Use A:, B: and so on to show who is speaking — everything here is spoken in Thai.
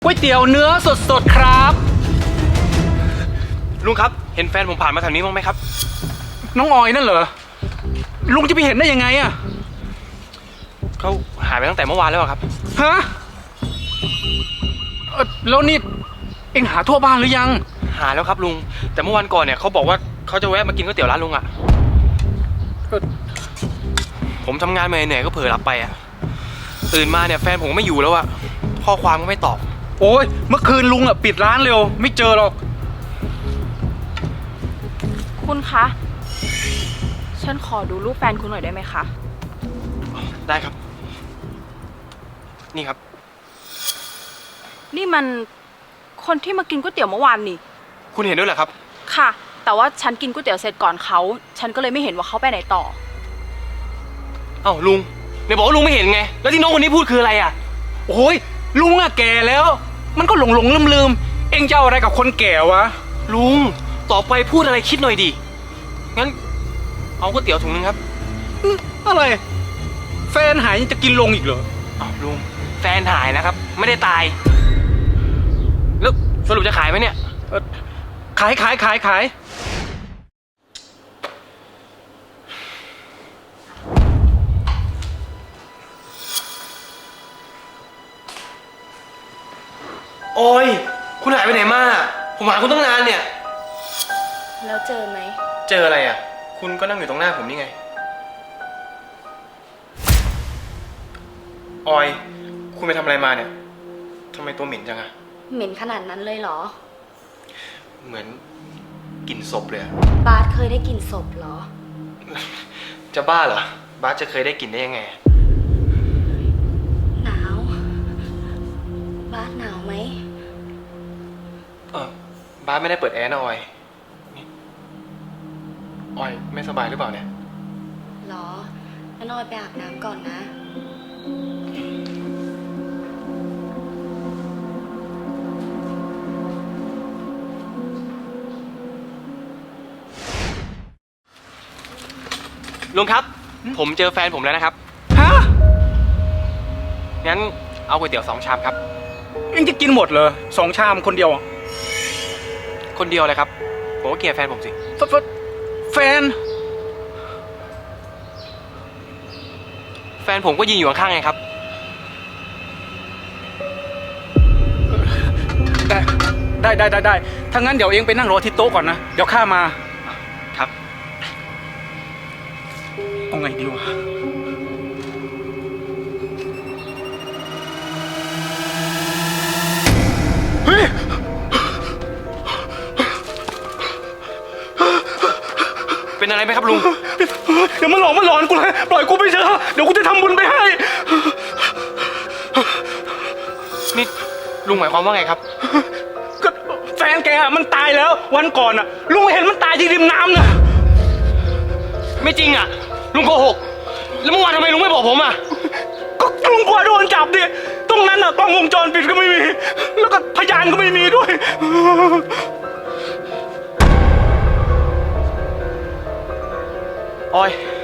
A: ก๋วยเตี๋ยวเนื้อสดๆครับ
B: ลุงครับเห็นแฟนผมผ่านมาแถวนี้บ้างไหมครับ
A: น้องออยนั่นเหรอลุงจะไปเห็นได้ยังไงอะ
B: เขาหายไปตั้งแต่เมื่อวานแล้วครับ
A: ฮะแล้วนี่เอ็งหาทั่วบ้านหรือยัง
B: หาแล้วครับลุงแต่เมื่อวันก่อนเนี่ยเขาบอกว่าเขาจะแวะมากินก๋วยเตี๋ยวร้านลุงอะผมทำงานมาเหนื่อยก็เผลอหลับไปอะตื่นมาเนี่ยแฟนผมไม่อยู่แล้วอะข้อความก็ไม่ตอบ
A: โอ้ยเมื่อคืนลุงอะปิดร้านเร็วไม่เจอหรอก
C: คุณคะฉันขอดูรูปแฟนคุณหน่อยได้ไหมคะ
B: ได้ครับนี่ครับ
C: นี่มันคนที่มากินก๋วยเตี๋ยวเมื่อวานนี่
B: คุณเห็นด้วยเหรอครับ
C: ค่ะแต่ว่าฉันกินก๋วยเตี๋ยวเสร็จก่อนเขาฉันก็เลยไม่เห็นว่าเขาไปไหนต่อ
B: เอ้าลุงเนี่ยบอกว่าลุงไม่เห็นไงแล้วที่น้องคนนี้พูดคืออะไรอะ
A: โอ้ยลุงอะแก่แล้วมันก็หลงลืมเอ็งจะเอาอะไรกับคนแก่วะ
B: ลุงต่อไปพูดอะไรคิดหน่อยดิงั้นเอาก๋วยเตี๋ยวถุงนึงครับ
A: อะไรแฟนหายยังจะกินลงอีกเหรอ
B: อ้าวลุงแฟนหายนะครับไม่ได้ตายแล้วสรุปจะขายไหมเนี่ย
A: ขาย
B: โอ้ยคุณหายไปไหนมาผมหาคุณตั้งนานเนี่ย
C: แล้วเจอไหม
B: เจออะไรอ่ะคุณก็นั่งอยู่ตรงหน้าผมนี่ไงออยคุณไปทำอะไรมาเนี่ยทำไมตัวเหม็นจังอะ
C: เหม็นขนาดนั้นเลยเหรอ
B: เหมือนกลิ่นศพเลยอะ
C: บาสเคยได้กลิ่นศพเหรอ
B: จะบ้าเหรอบาสจะเคยได้กลิ่นได้ยังไง
C: หนาวบาสหนาวไหม
B: บาสไม่ได้เปิดแอร์นะออยออยไม่สบายหรือเปล่าเนี่ย
C: หรองั้นออยไปอาบน้ำก่อนนะ
B: ลุงครับผมเจอแฟนผมแล้วนะครับ
A: ฮะ
B: งั้นเอาก๋วยเตี๋ยว2 ชามครับ
A: เอ็งจะกินหมดเลย2 ชามคนเดียว
B: คนเดียวเลยครับผมก็เกลียดแฟนผมสิ
A: แฟน
B: ผมก็ยืนอยู่ข้างๆไงครับ
A: ได้ถ้างั้นเดี๋ยวเอ็งไปนั่งรอที่โต๊ะก่อนนะเดี๋ยวข้ามา
B: ครับ
A: เอาไงดีวะเฮ้ย
B: เป็นอะไรไหมครับลุง
A: เดี๋ยวมันหลอนกูเลยปล่อยกูไปเถอะเดี๋ยวกูจะทำบุญไปให้
B: นี่ลุงหมายความว่าไงครับ
A: ก็แฟนแกมันตายแล้ววันก่อนอ่ะลุงเห็นมันตายที่ริมน้ำนะ
B: ไม่จริงอ่ะลุงโกหกแล้วเมื่อวานทำไมลุงไม่บอกผมอ่ะ
A: ก็ลุงกลัวโดนจับดิตรงนั้นอ่ะกล้องวงจรปิดก็ไม่มีแล้วก็พยานก็ไม่มีด้วย
B: ออย